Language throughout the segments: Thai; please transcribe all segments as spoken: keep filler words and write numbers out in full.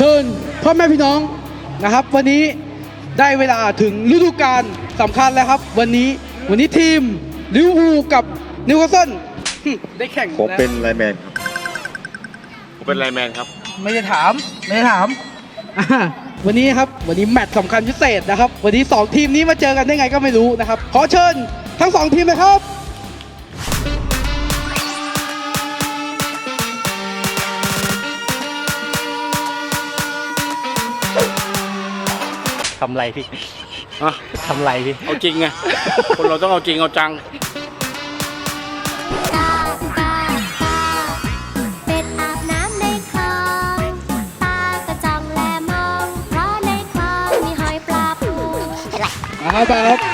ชิญพ่อแม่พี่น้องนะครับวันนี้ได้เวลาถึงฤดูกาลสำคัญแล้วครับวันนี้วันนี้ทีมลิเวอร์พูลกับนิวคาสเซิลได้แข่งผมเป็นไลน์แมนครับผมเป็นไลน์แมนครับไม่ได้ถามไม่ได้ถามวันนี้ครับวันนี้แมตช์สำคัญพิเศษนะครับวันนี้สองทีมนี้มาเจอกันได้ไงก็ไม่รู้นะครับขอเชิญทั้งสองทีมเลยครับทำไรพี่อะทำไรพี่เอาจริงไง คนเราต้องเอาจริงเอาจังเป็ดอาบน้ำในคลองตากระจ่องแลมองเพราะในคลองมีหอยปลาปูมาครับไปครับ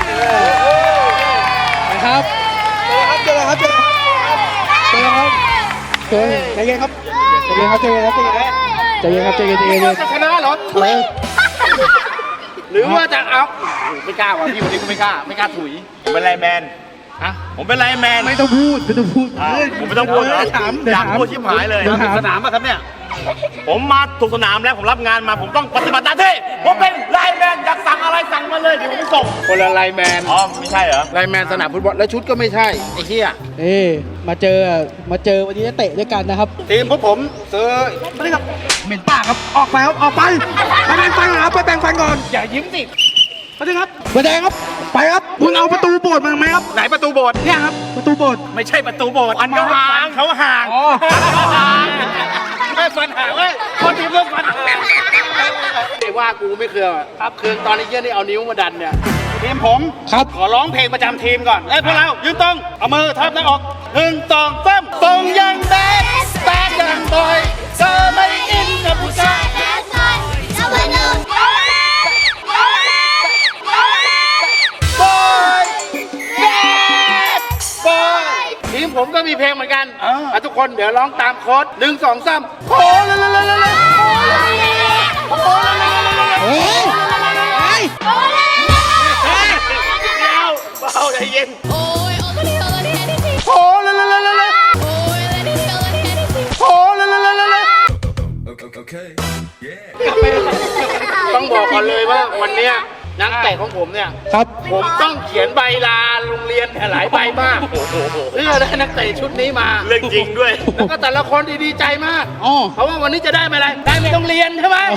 ไปครับเจอครับเจอครับเจอครับเจอใจเย็นครับใจเย็นครับใจเย็นครับใจเย็นครับใจเย็นใจเย็นใจเย็นจะชนะเหรอหรือว่าจะเอาไม่กล้าว่ะพี่วันนี้กูไม่กล้าไม่กล้าถุยผมเป็นไลน์แมนฮะผมเป็นไลน์แมนไม่ต้องพูดไม่ต้องพูดผมไม่ต้องพูดถามอยากพูดชิบหายเลยสนามป่ะครับเนี่ยผมมาถูกสนามแล้วผมรับงานมาผมต้องปฏิบัติหน้าที่ผมเป็นไลน์แมนอยากสั่งอะไรสั่งมาเลยเดี๋ยวผมส่งคนละไลน์แมนอ๋อไม่ใช่เหรอไลน์แมนสนามฟุตบอลแล้วชุดก็ไม่ใช่ไอ้เหี้ยเอ๊มาเจอมาเจอวันนี้จะเตะด้วยกันนะครับทีมพวกผมเจอไม่ได้ครับเหม็นปากครับออกไปครับออกไปไปแบ่งฟันครับไปแบ่งฟันก่อนอย่ายิ้มสิไปเลยครับไปแดงครับไปครับคุณเอาประตูโบสถ์มาไหมครับไหนประตูโบสถ์เนี่ยครับประตูโบสถ์ไม่ใช่ประตูโบสถ์มันเขาห่างเขาห่างไม่ฟันห่างเว้ยคนทีมเรื่องฟันห่างไอ้ว่ากูไม่เคยครับคืนตอนนี้เยี่ยนี่เอานิ้วมาดันเนี่ยทีมผมครับขอร้องเพลงประจำทีมก่อนเอ้ยพวกเรายืนตรงเอามือทับหน้าอกหนึ่งสองสามตรงยังแบดแบดยังบอยเธอไม่อินกับผู้ชายทีมผมก็มีเพลงเหมือนกันอ่ะทุกคนเดี๋ยวร้องตามโค้ดหนึ่งสองสามโค้ดเลยเลยเลยเลยโค้ดเลยเลยเลยเฮ้ยเฮ้ยเบาใจเย็นโค้ดเลยเลยเลยเลยโค้ดเลยเลยเลยเลยต้องบอกก่อนเลยว่าวันเนี้ยนักเตะของผมเนี่ยครับผมต้องเขียนใบลาโรงเรียนหลายใบมากเพื่อได้นักเตะชุดนี้มาเรื่องจริงด้วยแล้วก็แต่ละคนดีใจมากเพราะว่าวันนี้จะได้อะไรได้ไม่ต้องเรียนใช่ไหม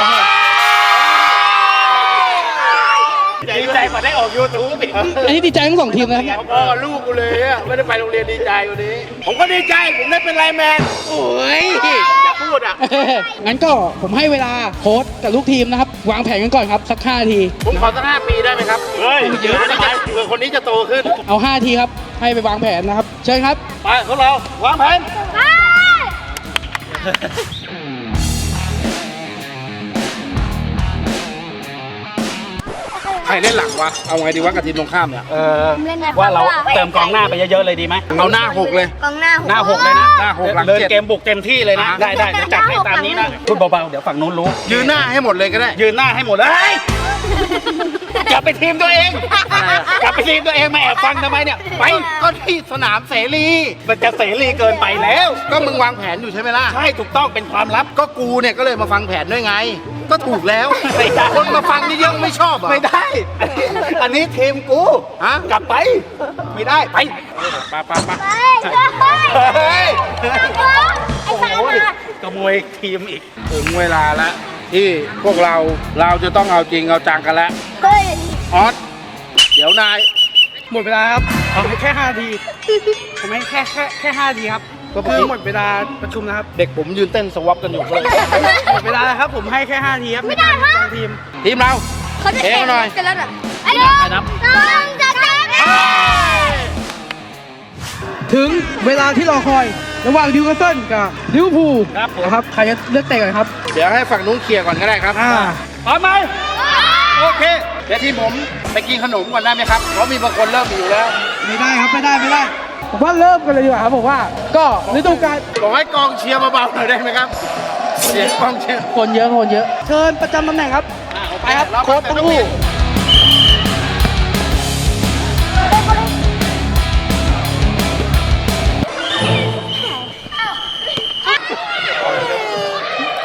ดีใจกว่าได้ออกยูทูบอีกอันนี้ดีใจทั้งสองทีมนะครับพ่อลูกกูเลยอ่ะไม่ได้ไปโรงเรียนดีใจวันนี้ผมก็ดีใจผมได้เป็นไลน์แมนโอ้ยอย่าพูดอ่ะงั้นก็ผมให้เวลาโค้ชกับลูกทีมนะครับวางแผนกันก่อนครับสักห้าทีผมขอสักห้าปีได้ไหมครับเฮ้ยเยอะนะเผื่อคนนี้จะโตขึ้นเอาห้าทีครับให้ไปวางแผนนะครับเชิญครับไปพวกเราวางแผนใครเล่นหลังวะเอาไงดีวะกับทีมตรงข้ามเนี่ยเออว่าเราเติมกองหน้าไปเยอะๆเลยดีไหมเอาหน้าหกเลยกองหน้าหกหน้าหกเลยนะหน้าหกหลังเกมบุกเต็มที่เลยนะได้ได้เดี๋ยวจัดให้ตามนี้นะพูดเบาๆเดี๋ยวฝั่งนู้นรู้ยืนหน้าให้หมดเลยก็ได้ยืนหน้าให้หมดเลยกลับไปทีมตัวเองกลับไปทีมตัวเองมาแอบฟังทำไมเนี่ยไปก็ที่สนามเสรีมันจะเสรีเกินไปแล้วก็มึงวางแผนอยู่ใช่ไหมล่ะใช่ถูกต้องเป็นความลับก็กูเนี่ยก็เลยมาฟังแผนด้วยไงก็ถูกแล้วคนมาฟังนี่ยังไม่ชอบอ่ะไม่ได้อันนี้ทีมกูฮะกลับไปไม่ได้ไปไปไปไปเฮ้ยโอ้โหขโมยทีมอีกถึงเวลาแล้วที่พวกเราเราจะต้องเอาจริงเอาจังกันแล้วออสเดี๋ยวนายหมดเวลาครับเอาแค่ห้าทีผมให้แค่แค่แค่ห้าทีครับก็คือหมดเวลาประชุมนะครับเด็กผมยืนเต้นสวอปกันอยู่เลยหมดเวลาแล้วครับผมให้แค่ห้าทีครับในการวางทีมทีมเราเองหน่อยกันแล้วเหรอไอ้น้องน้องจะแข่งถึงเวลาที่รอคอยระหว่างนิวคาสเซิลกับลิเวอร์พูลนะครับใครจะเลือกเตะก่อนครับเดี๋ยวให้ฝั่งนู้นเคลียร์ก่อนก็ได้ครับพร้อมไหมโอเคเดี๋ยวทีมผมไปกินขนมก่อนได้ไหมครับเพราะมีบางคนเริ่มอยู่แล้วไม่ได้ครับไม่ได้ไม่ได้ผมว่าเริ่มกันเลยดีกว่าครับผมว่าก็ฤดูกาลบอกให้กองเชียร์เบาๆหน่อยได้ไหมครับเสียงกองเชียร์คนเยอะคนเยอะเชิญประจำตำแหน่งครับไปครับโค้ชทั้งคู่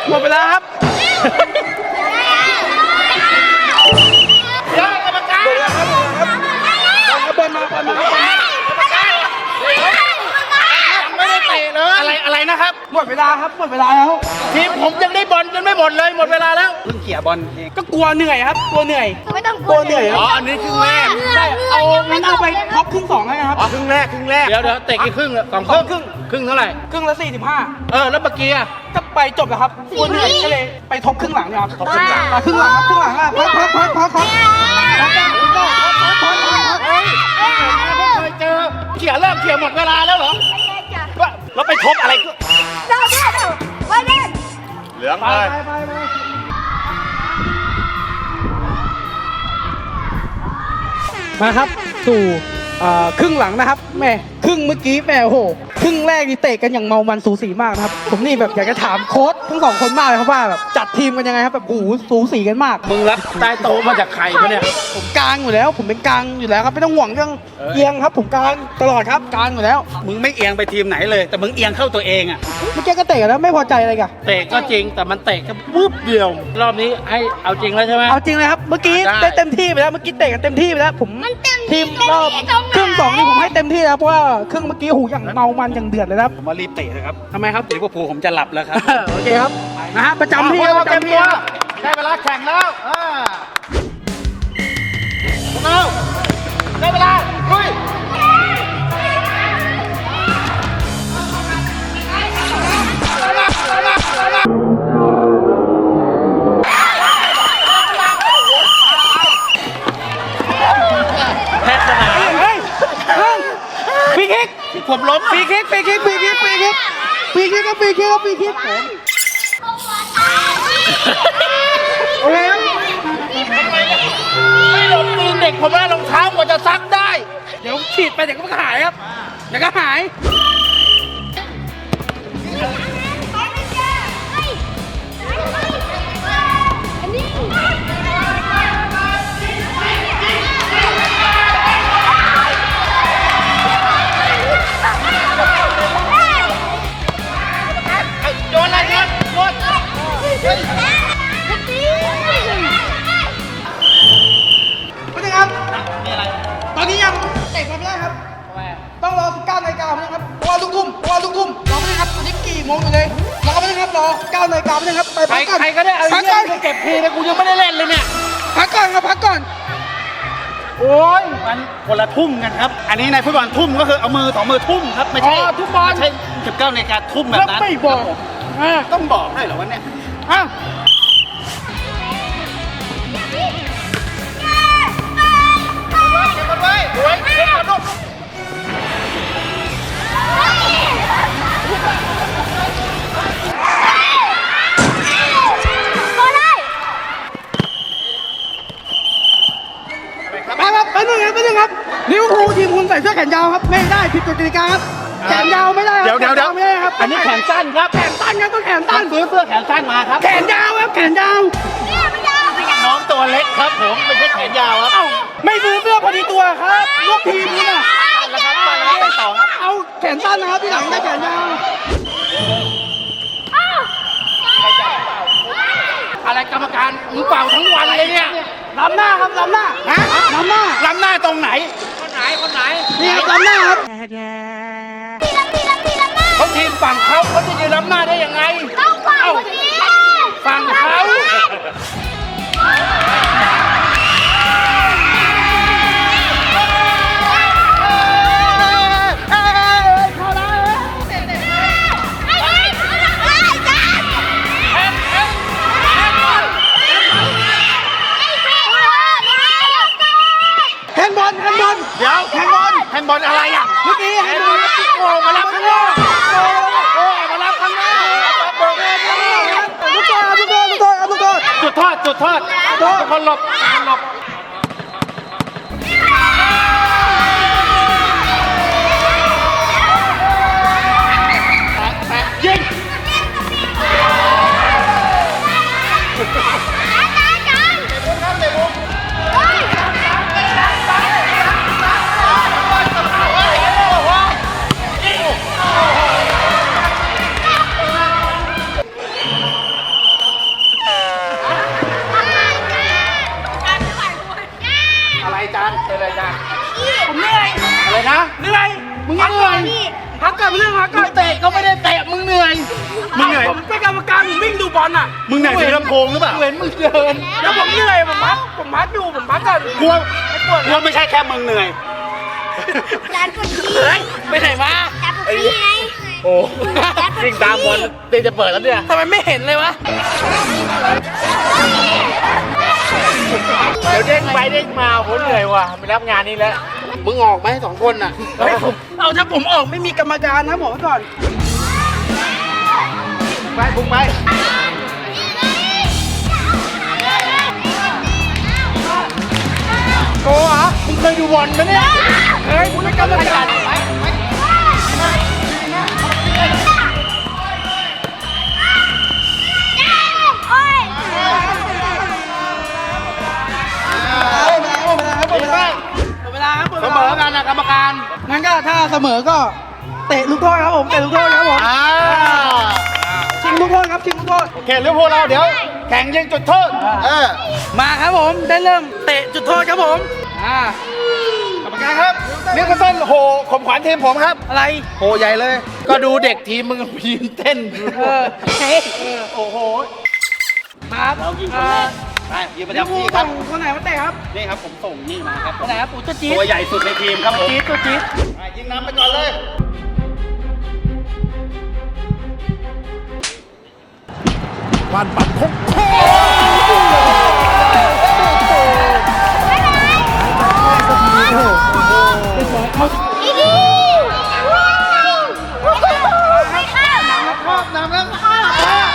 หมดเวลาครับเดี๋ยวกรรมการบอลมาบอลมาไม่ได้เตะเลยอะไรอะไรนะครับหมดเวลาครับหมดเวลาแล้วทีมผมยังได้บอลจนไม่หมดเลยหมดเวลาแล้วเพิ่งเขี่ยบอลเองก็กลัวเหนื่อยครับกลัวเหนื่อยไม่ต้องกลัวเหนื่อยคอ๋รัอบ อันนี้ครึ่งแรกใช่เอางั้นเอาไปท็อปครึ่งสองให้นะครับอ๋อครึ่งแรกครึ่งแรกเดี๋ยวเดี๋ยวเตะกี่ครึ่งสองครึ่งครึ่งครึ่งเท่าไหร่ครึ่งละสี่สิบห้าเออแล้วเมื่อกี้อะก็ไปจบแล้วครับกลัวเหนื่อยก็เลยไปท็อปครึ่งหลังนะครับท็อปครึ่งหลังอ่ะครึ่งหลังครับครึ่งหลังอ่ะพักพักพักพักพักพักพักพักพักพักพักเฮ้ยเคยเจอเขี่ยเริ่มเขี่ยหมดเวลาแล้วเหรอว่าแล้วไปทบอะไรก็เจ้าเจ้าไว้เล่นเหลืองไปเลยไปไปไปมาครับสู่เอ่อครึ่งหลังนะครับแม่ครึ่งเมื่อกี้แม่โอ้โหครึ่งแรกนี่เตะกันอย่างเมามันสูสีมากนะครับผมนี่แบบอยากจะถามโค้ชทั้งสองคนมากเลยครับว่าแบบจัดทีมกันยังไงครับแบบโอ้โหสูสีกันมากมึงรับใต้โต๊ะมาจากใครปะเนี่ยผมกลางอยู่แล้ว ผมเป็นกลางอยู่แล้วครับไม่ต้องห่วงเรื่องเออเอียงครับ ผมกลางตลอดครับกลางอยู่แล้วมึงไม่เอียงไปทีมไหนเลย แต่มึงเอียงเข้าตัวเองอะเมื่อกี้ก็เตะกันแล้วไม่พอใจอะไรกันเตะก็จริงแต่มันเตะแค่ปุ๊บเดียว รอบนี้ให้เอาจริงแล้วใช่ไหมเอาจริงเลยครับเมื่อกี้ได้ได้เต็มที่ไปแล้วเมื่อกี้เตะกันเต็มที่ไปแล้วผมมันเต็มทีมรอบครึ่งสองนี่ผมให้เต็มที่แล้วเพราะว่าครึ่งเมื่อกี้หูอย่างเมามันอย่างเดือดเลยนะครับผมว่ารีบเตะเลยครับทำไมครับลิเวอร์พูลผมจะหลับแล้วครับโอเคครับนะฮะประจำที่เอาประเต็มจำที่ตัวครับได้เวลาแข่งแล้วอ่าพวกเราได้เวลาลุยแพทย์สนามเฮ้ยเฮ้ยฟรีคิกผมล้มฟรีคิกฟรีคิกฟรีคิกฟรีคิกฟรีคิกก็ฟรีคิกก็ฟรีคิกผมโอเคครับไม่ลงตีนเด็กผมว่ารองเท้ากว่าจะซักได้เดี๋ยวฉีดไปเดี๋ยวก็หายครับเดี๋ยวก็หายอันนี้โยนอะไรครับโยนไม่ได้ครับตอนนี้ยังเตะกันไม่ได้ครับต้องรอสิบเก้านาฬิกาไม่ได้ครับรอลูกทุ่มรอลูกทุ่มรอไม่ได้ครับตอนนี้กี่โมงอยู่เลยรอไม่ได้ครับรอเก้านาฬิกาไม่ได้ครับไปใครพักก่อนใครก็ได้เอาพักเยี่ก่ยอนมไปเก็บทีนะกูยังไม่ได้เล่นเลยเนี่ยพักก่อนครับพักก่อนโอ้ยมันคนละทุ่มกันครับ อันนี้ในฟุตบอลทุ่มก็คือเอามือต่อมือทุ่มครับไม่ใช่ทุ่มบอลใช่สิบเก้านาฬิกาทุ่มแบบนั้นไม่บอกอ่าต้องบอกให้เหรอวะเนี่ยอ้าวเก็บมันไว้ไว้เก็บมันลูกไปครับไปหนึ่งครับไปหนึ่งครับลิเวอร์พูลทีมคุณใส่เสื้อแขนยาวครับไม่ได้ผิดกฎกติกาครับแขนยาวไม่ได้ครับเดี๋ยวเดี๋ยวเดี๋ยวไม่ได้ครับอันนี้แขนสั้นครับแขนสั้นครับต้องแขนตั้สั้งนซื้อเสื้อแขนสั้นมาครับแขนยาวครับแขนยาวน้องตัวเล็กครับผมไม่ใช่แขนยาวครับเอ้าไม่ซื้อเสื้อพอดีตัวครับลูกทีมนี่นะแล้วครับมาแล้วไปต่อครับเอาแขนสั้นนะครับที่หลังได้แขนยาวอะไรกรรมการมึงเป่าทั้งวันเลยเนี่ยล้ำหน้าครับล้ำหน้าฮะล้ำหน้าล้ำหน้าตรงไหน คนไหน คนไหนนี่ครับล้ำหน้าครับเขาทีมฝั่งเขาเขาจะยืนล้ำหน้าได้ยังไงต้องฟังคนนี้ฝั่งเขาแฮนด์บอลแฮนด์บอลเดี๋ยวแฮนด์บอลแฮนด์บอลอะไรอ่ะเมื่อกี้แฮนด์บอลโอ้มารับข้างหน้าโอ้มารับข้างหน้าลูกโทษลูกโทษลูกโทษลูกโทษจุดโทษจุดโทษทุกคนหลบทุกคนหลบยิงงเหนื่อยถือลำโพงหรือเปล่าเหมือนมึงเดินแล้วผมเหนื่อยผมพักผมพักอยู่ผมพักก่อนกลัวกลัวไม่ใช่แค่มึงเหนื่อยจานปวดขี้เฮ้ยไปไหนมาจานปวดขี้ไงโอ้ยิ่งตามบอลเตจะเปิดแล้วเนี่ยทำไมไม่เห็นเลยวะเดี๋ยวเด้งไปเด้งมาผมเหนื่อยว่ะไปรับงานนี้แล้วมึงออกไหมสองคนน่ะเฮ้ยผมเอาถ้าผมออกไม่มีกรรมการนะบอกไว้ก่อนไปพุ่งไปโกเหรอมึงเคยดูบอลไหมเนี่ยเฮ้ยคุณเป็นกรรมการหมดเวลาหมดเวลาครับหมดเสเวมลาอกันนะกรรมการงั้นก็ถ้าเสมอก็เตะลูกโทษครับผมเตะลูกโทษครับผมอ่าชิงลูกโทษครับชิงลูกโทษโอเคลิเวอร์พูลเราเดี๋ยวแข่งยิงจุดโทษเออมาครับผมได้เริ่มเตะจุดโทษครับผมอ่ากรรมการครับนิวคาสเซิลโหข่มขวัญทีมผมครับอะไรโหใหญ่เลย ก็ดูเด็กทีมมึงยืนเต้นเออเฮ้ยเออโอ้โหมาครับเรายิงคนแรกไปยืนประเดี๋ยวจำผู้ที่คส่รับงคนไหนมาเตะครับนี่ครับผมส่งนี่มาครับคนไหนครับปู่ตัวจี๊ดตัวใหญ่สุดในทีมครับผมจี๊ดตัวจี๊ดไปยิงน้ำไปก่อนเลยวันปัดคงโค้งอีดีไม่เข้าครอบน้ำแล้วข้าว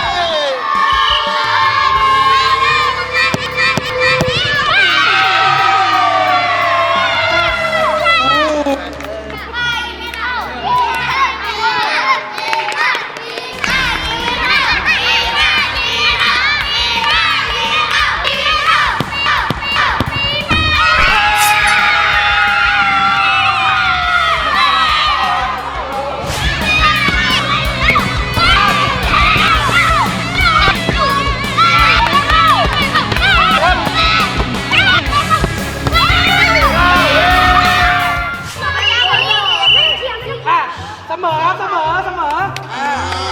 อ่ะเสมอเสมอเสมออ่า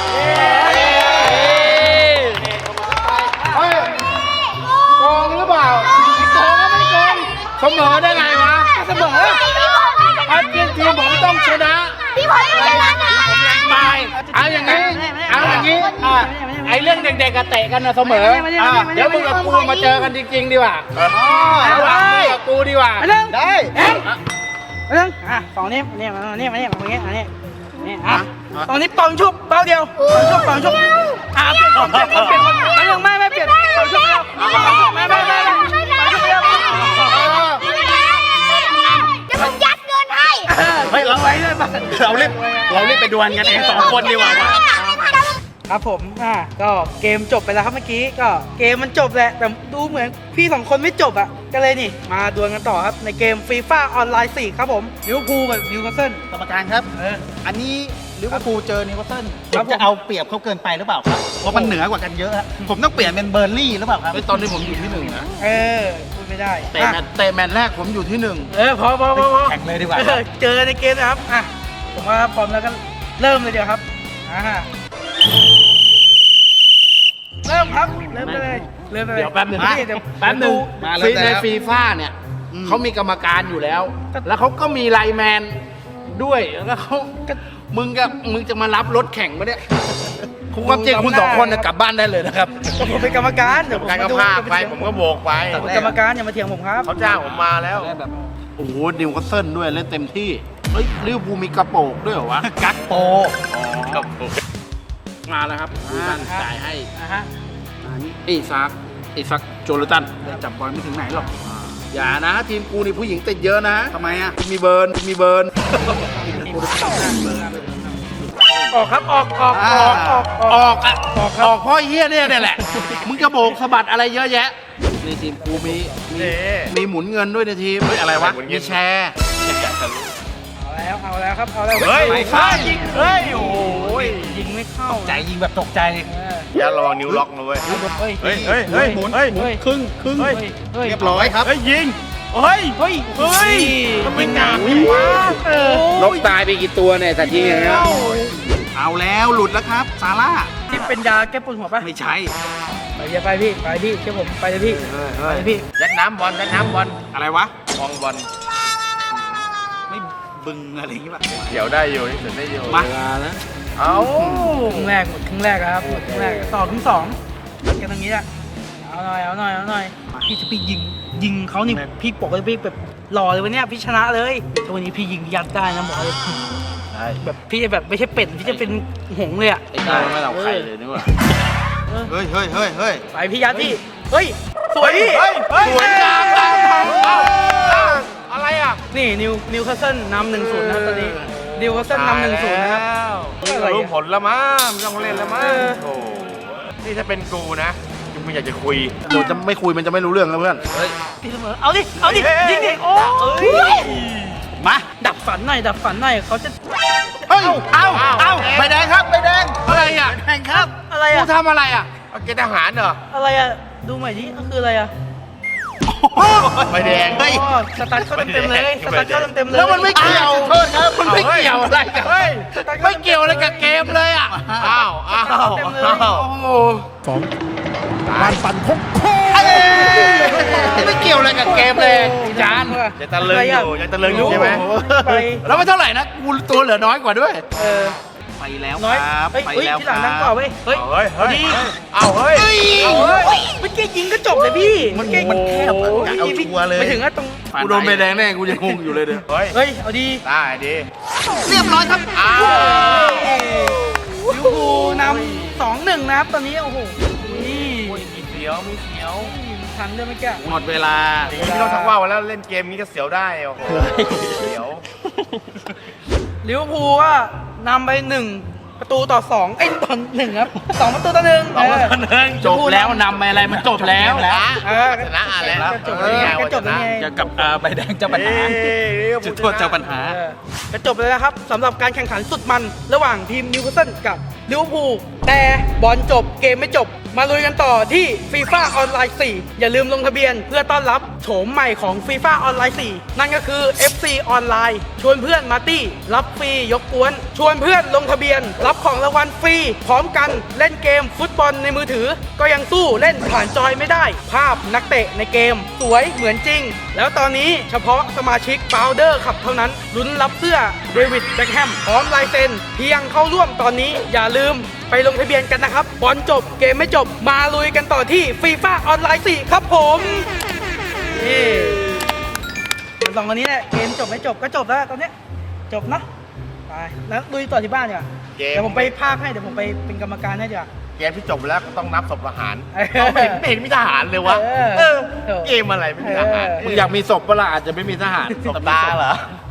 เฮ้ยโกงหรือเปล่าไม่โกงก็ไม่โกงเสมอได้ไงวะเสมออันทีมทีมผมต้องชนะพี่พลอยชนะนะตายเอาอย่างนี้เอาอย่างนี้อ่ะไอเรื่องเด็กๆกับเตะกันนะเสมออ่ะเดี๋ยวมึงกับกูมาเจอกันจริงๆดีกว่าระหว่างมึงกับกูดีกว่าไปเรื่องได้เอ็งไปเรื่องอ่ะสองนี้มาเนี่ยมาเนี่ยมาเนี่ยมาเนี่ยมาเนี่ยนี่อ่ะตอนนี้ปองชุบเป้าเดียวปองชุบปองชุบอ่ะเปลี่ยนคนเปลี่ยนคนเปลี่ยนคนไปเรื่องไม่ไม่เปลี่ยนปองชุบเดียวไม่ไม่ไม่ไม่ปองชุบเดียวจะผมยัดเงินให้เฮ้ยเราไว้เลยป่ะเราเรีบเราเรีบไปดวลกันเองสองคนดีกว่าว่ะครับผมอ่ะก็เกมจบไปแล้วครับเมื่อกี้ก็เกมมันจบแหละแต่ดูเหมือนพี่สองคนไม่จบอ่ะก็เลยนี่มาดวลกันต่อครับในเกมฟีฟ่าออนไลน์สี่ครับผมลิเวอร์พูลกับนิวคาสเซิลกรรมการครับเอออันนี้ลิเวอร์พูลเจอนิวคาสเซิลครับผมจะเอาเปรียบเขาเกินไปหรือเปล่าครับเพราะมันเหนือกว่ากันเยอะฮะผมต้องเปลี่ยนเป็นเบอร์ลี่หรือเปล่าครับตอนนี้ผมอยู่ที่หนึ่งนะเออพูดไม่ได้เตะแมตช์เตะแมตช์แรกผมอยู่ที่หนึ่งเออพอพอพอพอแข่งเลยดีกว่าเออเจอในเกมนะครับอ่ะผมว่าพร้อมแล้วก็เริ่มเลยเดี๋ยวครับอ่าเริ่มครับเริ่มเลยเริ่มเลยเดี๋ยวแป๊บหนึ่งเดี๋ยวแป๊บหนึ่งมาแล้วฟีแต่ในแล้วฟีฟ่าเนี่ยเขามีกรรมการอยู่แล้ว แล้วเขาก็มีไลน์แมนด้วยแล้วเขาก็มึงกับมึงจะมารับรถแข่งมาเนี่ยคุณความจริงคุณสองคนน่ะกลับบ้านได้เลยนะครับก็ผมเป็นกรรมการเดี๋ยวผมการก็ดูพากไปผมก็โบกไปผมเป็นกรรมการอย่ามาเถียงผมครับเขาจ้างผมมาแล้วแบบโอ้โหนิวคาสเซิลด้วยเล่นเต็มที่เฮ้ยลิเวอร์พูลมีกระโปรงด้วยเหรอวะกักโปครับผมมาแล้วครับดูตันจ่ายให้อ่าฮะไอ้ซักไอ้ซักโจลตันจับบอลไม่ถึงไหนหรอกอย่านะ ทีมกูนี่ผู้หญิงติดเยอะนะทำไมอ่ะมีเบิร์นมีเบิร์นออกครับออกออกออกออกอออกอกอ่ะออกออกเพ่อเฮียเนี่ยเนี่ยแหละ มึงกระโบกสะบัดอะไรเยอะแยะในทีมกูมีมีมีหมุนเงินด้วยในทีมเฮ้ยอะไรวะมีแชร์เอาแล้วเอาแล้วครับเอาแล้วเฮ้ยไม่ไม่ยิงเฮ้ยโอ้ยยิงไม่เข้าใจยิงแบบตกใจเอออย่าระวังนิ้วล็อกนะเว้ยเฮ้ยเฮ้ยเฮ้ยเฮ้ยหมุนเฮ้ยเฮ้ยครึ่งครึ่งเฮ้ยเฮ้ยเรียบร้อยครับเฮ้ยยิงเฮ้ยเฮ้ยเฮ้ยทำไมหนักยิงวะเออนกตายไปกี่ตัวเนี่ยสัตว์ทีอย่างเงี้ยเอาแล้วหลุดแล้วครับซาร่าสิบเป็นยาแก้ปวดหัวปะไม่ใช่ไปพี่ไปพี่ไปพี่เชื่อผมไปเลยพี่ไปเลยพี่ยัดน้ำบอลยัดน้ำบอลอะไรวะมองบอลไม่บึงอะไรอย่างงี้ป่ะเดี๋ยวได้อยู่เดี๋ยวได้อยู่มาเอาครึ่งแรกหมดครึ่งแรกแล้วครับหมดครึ่งแรกต่อครึ่งสองตัดกันตรงนี้แหละเอาหน่อยเอาหน่อยเอาหน่อยพี่จะไปยิงยิงเขานี่พี่ปกติพี่แบบหล่อเลยวันเนี้ยพี่ชนะเลยแต่วันนี้พี่ยิงยัดได้นะบอกเลยใช่แบบพี่จะแบบไม่ใช่เป็ดพี่จะเป็นหงส์เลยอ่ะไอ้ได้ไม่เราใครเลยนี่หว่าเฮ้ยเฮ้ยเฮ้ยเฮ้ยไปพี่ยัดพี่เฮ้ยสวยพี่เฮ้ยสวยงามเอาเอาเอาอะไรอ่ะนี่นิวนิวคาสเซิลนำหนึ่งศูนย์นะครับตอนนี้นิวคาสเซิลนำหนึ่งศูนย์นะครับนี่ก็รู้ผลแล้วมั้งไม่ต้องเล่นแล้วมั้งเออโอ้นี่ถ้าเป็นกูนะกูไม่อยากจะคุยโดจะไม่คุยมันจะไม่รู้เรื่องแล้วเพื่อนเฮ้ยพี่เสมอเอาดิเอาดิเฮ้ยยิงดิโอ้เฮ้ยมาดับฝันหน่อยดับฝันหน่อยเขาจะเฮ้ย เอ้า เอ้าใบแดงครับใบแดงอะไรอ่ะแข่งครับอะไรกูอะทำอะไรอ่ะเอาเกณฑ์ทหารเหรออะไรอะดูใหม่ดิก็คืออะไรอะใบแดงเฮ้ยอ๋อสตาร์ทเข้าเต็มๆเลยสตาร์ทเข้าเต็มๆเลยแล้วมันไม่เกี่ยวโทษครับ มันไม่เกี่ยวอะไรกันเฮ้ยสตาร์ทข้าไม่เกี่ยวอะไรกับเกมเลยอ่ะ อ้าว อ้าวเต็มเลยอ้าวโอ้โหมันปั่นคงไม่เกี่ยวอะไรกับเกมเลยจานจะตะลึงอยู่ยังตะลึงอยู่ใช่ไหมไปแล้วไม่เท่าไหร่นะ กูตัวเหลือน้อยกว่าด้วยเออไปแล้วน้อยครับเฮ้ยไปเฮ้ยแล้วที่คหลังรัดังกว่าบเว้ยเฮ้ยเฮ้ยเฮ้ยดีเอาเฮ้ยเอาเฮ้ยเมื่อกี้ยิงก็จบเลยพี่มันเมื่อกี้มันแคบอะโอ้โหเอาชัวร์เลยไปถึงก็ตรงกูโดนใบแดงแน่กูยังงงอยู่เลยเด้อเฮ้ยเฮ้ยเอาดีได้ดีเรียบร้อยครับอ้าวลิเวอร์พูลนำสองหนึ่งนะครับตอนนี้โอ้โหนี่โอ้ยมีเสียวมีเสียวทันด้วยเมื่อกี้หมดเวลาอย่างนี้ไม่ต้องทักว่าวแล้วเล่นเกมนี้ก็เสียวได้โอ้โหเสียวลิเวอร์พูลว่านำไปหนึ่งประตูต่อสองเอ้ยต่อหนึ่งครับสองประตูต่อหนึ่งสองต่อหนึ่งจบแล้วนำไปอะไรมันจบแล้วเออชนะแล้วก็จบแล้วไงก็จบแล้วไงจะกับอ่าใบแดงเจ้าปัญหา จุดโทษเจ้าปัญหาเออก็จบเลยนะครับสำหรับการแข่งขันสุดมันระหว่างทีมนิวคาสเซิลกับลิเวอร์พูลแต่บอลจบเกมไม่จบ มาลุยกันต่อที่ฟีฟ่าออนไลน์สี่อย่าลืมลงทะเบียนเพื่อต้อนรับโฉมใหม่ของฟีฟ่าออนไลน์สี่นั่นก็คือ เอฟ ซี ออนไลน์ชวนเพื่อนมาตี้รับฟรียกกวน ชวนเพื่อนลงทะเบียน รับของรางวัลฟรี พร้อมกันเล่นเกมฟุตบอลในมือถือ ก็ยังสู้เล่นผ่านจอยไม่ได้ ภาพนักเตะในเกม สวยเหมือนจริง แล้วตอนนี้เฉพาะสมาชิกบาวเดอร์ขับเท่านั้นลุ้นรับเสื้อเดวิดแบ็คแฮมพร้อมลายเซ็นเพียงเข้าร่วมตอนนี้อย่าลืมไปลงทะเบียนกันนะครับบอลจบเกมไม่จบมาลุยกันต่อที่ฟีฟ่าออนไลน์สี่ครับผมนี่สองคนนี้แหละเกมจบไม่จบก็จบแล้วตอนเนี้ยจบเนอะไปแล้วลุยต่อที่บ้านดีกว่าเกมเดี๋ยวผมไปพากย์ให้เดี๋ยวผมไปเป็นกรรมการให้ดีกว่าเกมที่จบแล้วก็ต้องนับศพทหารเออเราไม่เห็นไม่เห็นมีทหารเลยวะเออเออเออเกมอะไรไม่มีทหารมึงอยากมีศพเปะล่าอาจจะไม่มีทหารศพตาเหรอ